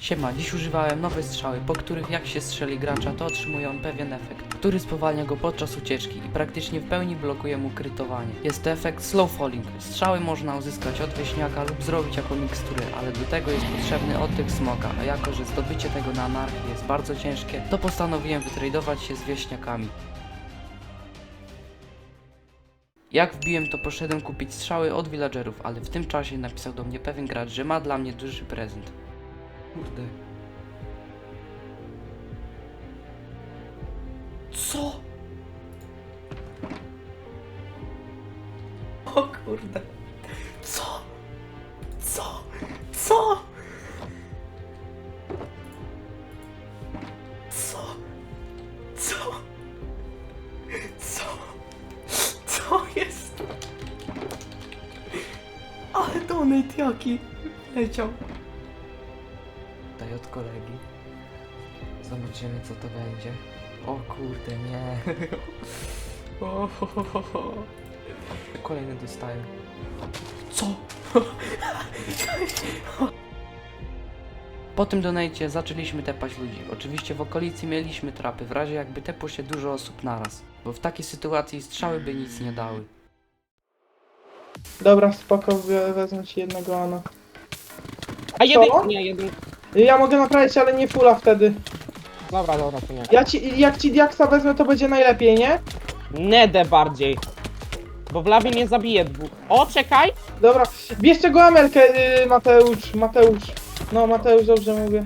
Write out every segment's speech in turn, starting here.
Siema, dziś używałem nowej strzały, po których jak się strzeli gracza, to otrzymuje on pewien efekt, który spowalnia go podczas ucieczki i praktycznie w pełni blokuje mu krytowanie. Jest to efekt slow falling. Strzały można uzyskać od wieśniaka lub zrobić jako miksturę, ale do tego jest potrzebny oddech smoka, a jako że zdobycie tego na anarchii jest bardzo ciężkie, to postanowiłem wytradować się z wieśniakami. Jak wbiłem, to poszedłem kupić strzały od villagerów, ale w tym czasie napisał do mnie pewien gracz, że ma dla mnie duży prezent. Kurde. Co? O kurde. Co? Co? Co? Co? Co? Co? Co jest? Ale donate jaki leciał. Daj od kolegi. Zobaczymy co to będzie. O kurde, nie. O, ho, ho, ho, ho. Kolejny dostaję. Co? Po tym donajcie zaczęliśmy tepać ludzi. Oczywiście w okolicy mieliśmy trapy, w razie jakby tepło się dużo osób naraz. Bo w takiej sytuacji strzały by nic nie dały. Dobra, spoko, wezmę ci jednego Ana. A jeden, Co? nie, jeden. Ja mogę naprawić, ale nie fulla wtedy. Dobra, to nie. Jak ci diaksa wezmę, to będzie najlepiej, nie? Nedę bardziej. Bo w lawie nie zabije dwóch. O, czekaj! Dobra, bierz tego Amelkę, Mateusz. No, Mateusz, dobrze mówię.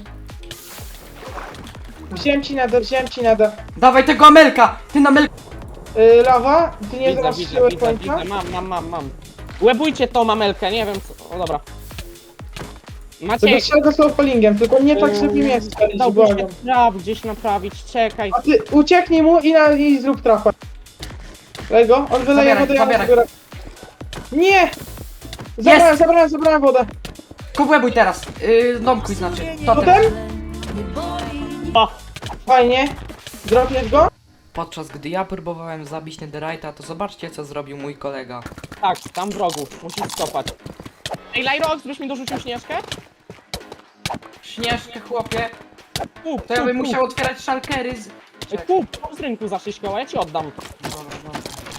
Wziąłem ci nadę. Dawaj tego Amelka! Ty na Amelka! Lawa, ty nie Widzę, zastrzeliłeś końca? mam. Łebujcie tą mamelkę, nie wiem co. O, dobra. To Macie. strzel go slowfallingiem, tylko nie tak, żeby mnie strzelić, Dałby się błagam. traf gdzieś naprawić, czekaj. A ty ucieknij mu i zrób trafę. Daj go, on wyleje Zabieraj, wodę, ja zabieraj. zbiorę. Nie! Zabrałem wodę. Kobłebuj teraz! Domkuj znaczy. Potem? O, Fajnie. Dropiesz go? Podczas gdy ja próbowałem zabić Netherite'a, to zobaczcie co zrobił mój kolega. tak, tam wrogu, musisz stopać. Ej, Lyrox, byś mi dorzucił śnieżkę? Śnieżkę chłopie, Kup, to ja bym kup, musiał otwierać szalkery z... kup. Kup z rynku za 6 koła, ja ci oddam. Dobra.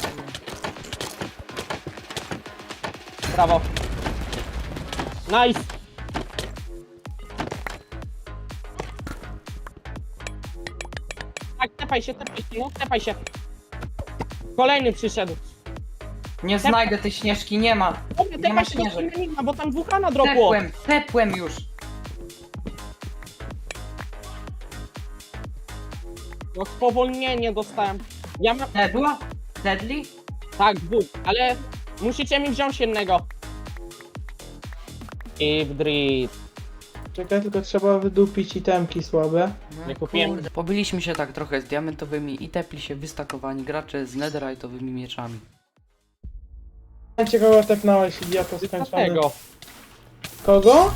Brawo. Nice. Tak, tepaj się. Kolejny przyszedł. Nie znajdę tej śnieżki, nie ma. Dobra, Nie ma tepaj się do śnieżek. Enigma, bo tam wulkana dropło. Tepłem już. No spowolnienie dostałem. Ja mam... Była? Deadly? Tak, dwóch, ale musicie mi wziąć jednego. I w drift. Czekaj, tylko trzeba wydupić itemki słabe. Nie kupiłem. Kurde. Pobyliśmy się tak trochę z diamentowymi i tepli się wystakowani gracze z netherite'owymi mieczami. Ciekawe, tepnąłeś, idioto skończony. Dlatego. Kogo?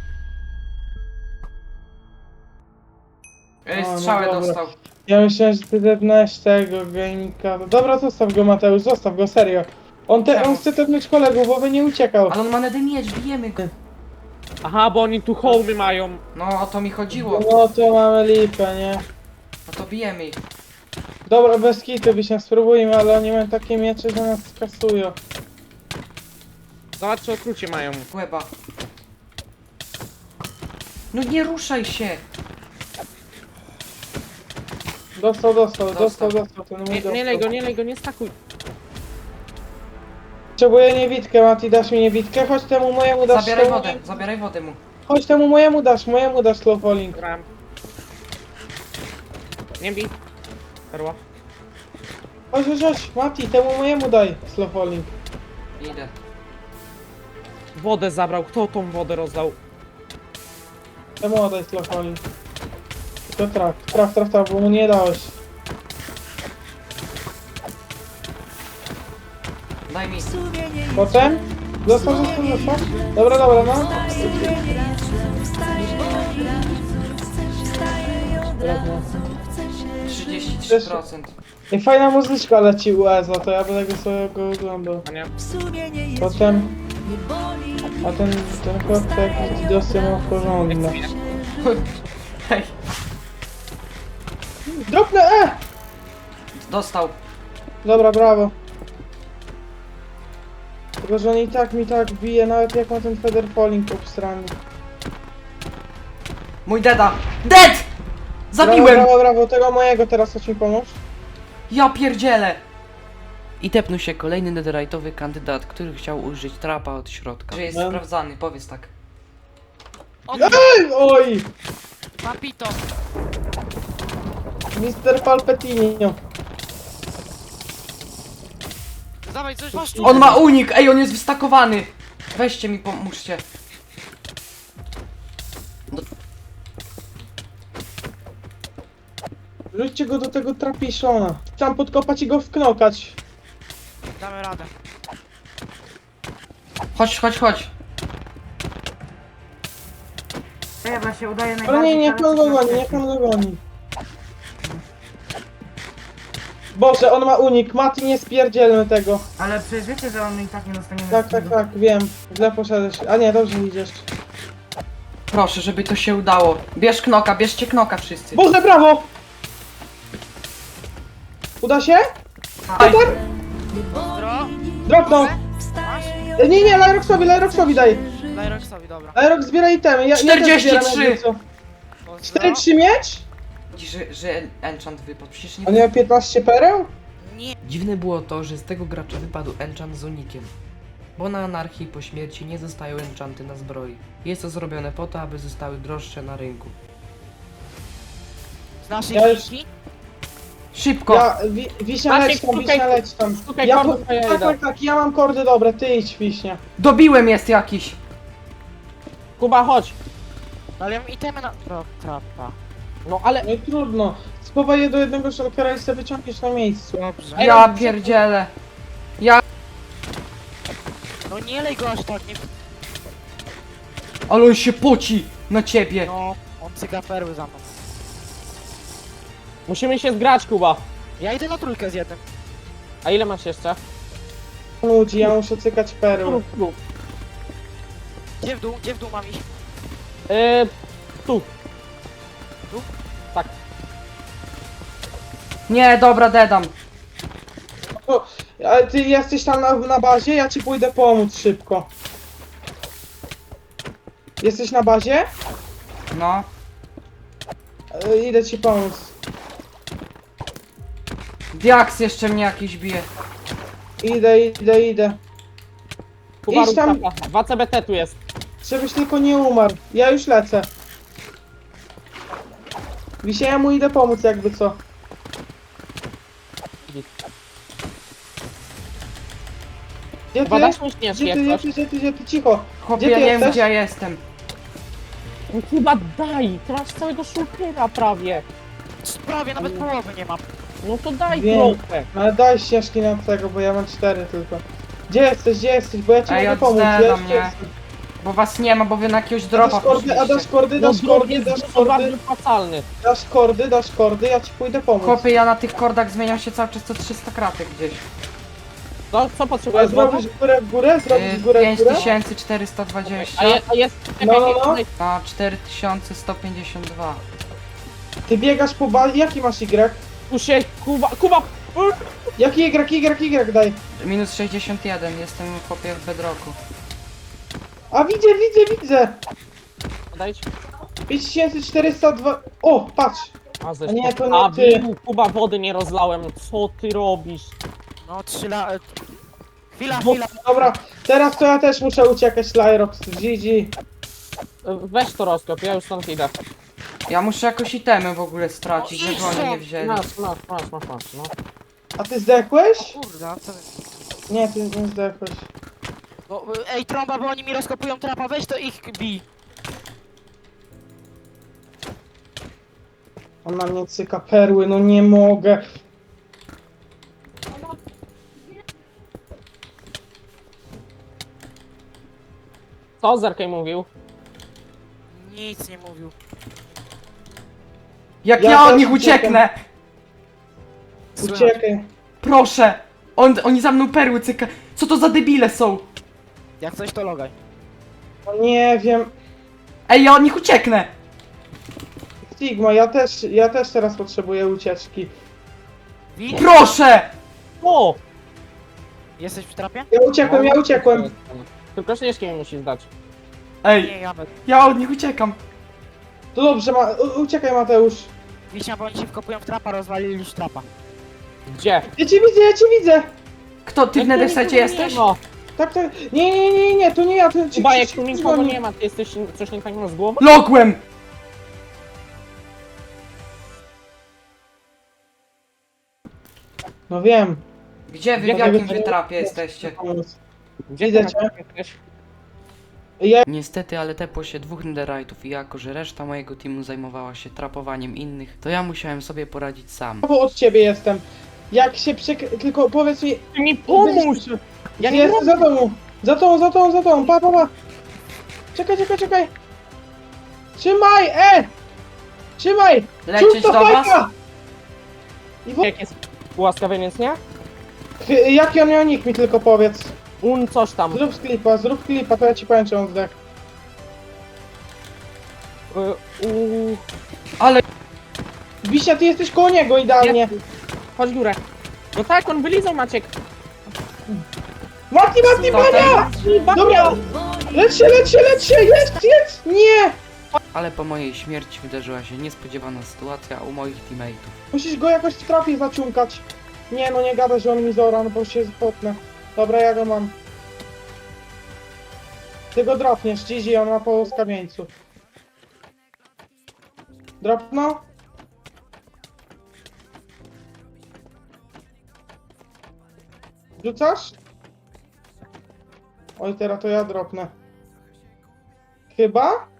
no Strzałę dobra. dostał. Ja myślałem, że ty tepnąłeś tego gamika. Dobra, zostaw go Mateusz, zostaw go, serio. On chce tepnąć kolegów, bo by nie uciekał. Ale on ma nether miecz, bijemy go. Aha, bo oni tu hołmy mają. No o to mi chodziło. No to mamy lipę, nie? No to bijemy ich. Dobra, bez kitu by się spróbujmy, ale oni mają takie miecze, że nas skasują. Zobacz, co okrucie mają. Łeba. No nie ruszaj się. Dostał ten mój Nie lej go, nie stakuj. Potrzebuję niewidkę, Mati, dasz mi niewidkę? Chodź temu mojemu dasz. Zabieraj wodę mu. Chodź temu mojemu dasz slow falling. Gram. Nie bij. Perła. Chodź, Mati, temu mojemu daj slow falling. Idę. Wodę zabrał, kto tą wodę rozdał? Temu oddaj slow falling. To traf, bo mu nie dałeś. Daj mi. Potem? Zostaw. Dobra, no. 33%. I fajna muzyczka leci u Ezo, to ja będę go sobie oglądał. A nie? Potem... A ten chłop to jakiś dosy ma porządne. Hej, Dropnę, dostał. Dobra, brawo. Tylko, że on i tak mi tak bije, nawet jak ma ten feather falling obstrany. Mój deda. Dead! Zabiłem! Brawo, brawo, brawo, tego mojego teraz chodź mi pomóż. Ja pierdzielę! I tepnął się kolejny netherite'owy kandydat, który chciał użyć trapa od środka. Że jest No. sprawdzany, powiedz tak. Ej, oj! Papito! Mr. Palpatine. Dawaj, coś masz tu! On ma unik! Ej, on jest wystakowany! Weźcie mi, pomóżcie. Rzućcie go do tego trapiszona. Tam podkopać i go wknokać. Damy radę. Chodź, chodź, chodź. Chyba się udaje Ale najbardziej. nie, niech on go goni, niech on go goni. Boże, on ma unik, Mati, nie spierdzielmy tego. Ale przecież wiecie, że on i tak nie dostanie Tak, tak, tak, wiem. Źle poszedłeś. A nie, dobrze idziesz. Proszę, żeby to się udało. Bierz knoka, bierzcie knoka wszyscy. Boże, brawo! Uda się? Aj, Pozdro! Dropnął! Masz? Nie, nie, Lyroxowi daj! Daj Roxowi, dobra. Lyrox, zbieraj itemy, ja 43. też zbieram, jakby co. Pozdro. 4-3 miecz? że enchant wypadł, przecież nie... On miał 15 pereł? Nie. Dziwne było to, że z tego gracza wypadł enchant z unikiem. Bo na anarchii po śmierci nie zostają enchanty na zbroi. Jest to zrobione po to, aby zostały droższe na rynku. Z naszej Ja już- linki? Szybko! Ja, Wiśnia Maciek, leć tam, szukaj- Wiśnia leć tam. szukaj Ja, kordów, a ja tak, idę. tak, tak, ja mam kordy dobre, ty idź, Wiśnia. Dobiłem jest jakiś! Kuba, chodź. No ale ja mam itemy na... Trapa. No ale... No i trudno. Spowaj je do jednego shulkera i sobie wyciągniesz na miejscu. Dobrze. Ej, Ja no, pierdzielę! No nie lej go aż tak, nie... Ale on się poci na ciebie! No, on cyga perły za mną. Musimy się zgrać, Kuba. Ja idę na trójkę z jednym. A ile masz jeszcze? Ludzi, ja muszę cykać perły. Tu. Gdzie w dół mam iść? Tu. Nie, dobra, dedam. Ale ty jesteś tam na bazie? Ja ci pójdę pomóc szybko. Jesteś na bazie? No. Idę ci pomóc. Diaks jeszcze mnie jakiś bije. Idę. Kuba, Idź rób tam. trapa. 2 CBT tu jest. Żebyś tylko nie umarł. Ja już lecę. Wisia, ja mu idę pomóc jakby co. Gdzie Kuba, ty? dasz mi śnieżki Gdzie jak ty, coś. gdzie ty? Cicho. Chłopie, Gdzie ja ty nie wiem jesteś? gdzie ja jestem. No Kuba, daj. Ty masz całego szulkera prawie. Prawie nawet połowy nie mam. No to daj Wiem. trochę. Ale daj ścieżki na tego, bo ja mam 4 tylko. Gdzie jesteś? Bo ja ci Ej, mogę od pomóc. Zena Ja mnie. jestem. Bo was nie ma, bo wy na jakiegoś A dropa dasz kordy, poszliście. dasz kordy, No dasz drog kordy, jest dasz dużo kordy, bardziej opłacalny. dasz kordy, ja ci pójdę pomóc. Chłopie, ja na tych kordach zmieniam się cały czas co 300 kratek gdzieś. Co A potrzebujesz? Woda? zrobisz górę w górę? Zrobisz górę w górę? 5420 A jest... No, no, no. na 4152. Ty biegasz po bazie, jaki masz Y? Tu się... Kuba! Jaki Y daj. Minus 61, jestem chłopie w bedrocku. A widzę! Odejdź. 5402... O, patrz! A, A nie, to nie A, ty. Kuba, wody nie rozlałem. Co ty robisz? No 3 lat... Chwila. Dobra, teraz to ja też muszę uciekać, Lyrox, GG. Weź to rozkop, ja już stąd idę. Ja muszę jakoś itemy w ogóle stracić, No idź żeby oni nie stąd. wzięli. Masz, no. A ty zdechłeś? Kurde, a co wy... Nie, ty nie zdechłeś. Bo, ej, trąba, bo oni mi rozkopują trapa, weź to ich bij. On na mnie cyka perły, no nie mogę. Co Zerkej mówił? Nic nie mówił. Jak Ja ja od też nich ucieknę! Uciekaj. Proszę! Oni za mną perły cyka. Co to za debile są? Jak coś to logaj. No nie wiem. Ej, ja od nich ucieknę! Sigma, ja też teraz potrzebuję ucieczki. Widzisz? Proszę! O! Jesteś w trapie? Ja uciekłem. Tylko śnieżki mi musi zdać. Ej, Nie, ja bez. ja od nich uciekam. To dobrze, uciekaj Mateusz. Wiśnia, bo oni się wkopują w trapa, rozwalili już trapa. Gdzie? Ja cię widzę! Kto, ty w Jak tu Nedersecie nikogo jesteś? Nie, ma. Tak, nie, to nie ja, to ci Chyba jak tu nikogo nie ma, ty jesteś coś nie tak z głową? Logłem! No wiem. Gdzie wy, w Gdzie jakim wy- wy trapie jesteście? Gdzie Widzę ty cię. jesteś? Niestety, ale tepło się 2 netherite'ów i jako, że reszta mojego teamu zajmowała się trapowaniem innych, to ja musiałem sobie poradzić sam. Bo od ciebie jestem. Jak się tylko powiedz mi... Ty mi pomóż! Ja nie Jestem za tobą, pa. Czekaj. Trzymaj, Trzymaj! Lecieć Ciut to do was? fajka! Jak jest ułaskawieniec, nie? Jaki on miał nick mi tylko powiedz. Coś tam. Zrób klipa, to ja ci powiem, czy on zdech. Ale Wiśnia, ty jesteś koło niego idealnie. Chodź górę. No tak, on wylizał Maciek. Mati, Bania! Dobra! Lecz się, jest! Nie! Ale po mojej śmierci wydarzyła się niespodziewana sytuacja u moich teammateów. Musisz go jakoś w trapie zaciunkać. Nie no, nie gada, że on mi zora, no bo się spotnę. Dobra, ja go mam. Ty go dropniesz, GG, on ma po skamieńcu. Dropno? Rzucasz? Oj, teraz to ja dropnę. Chyba?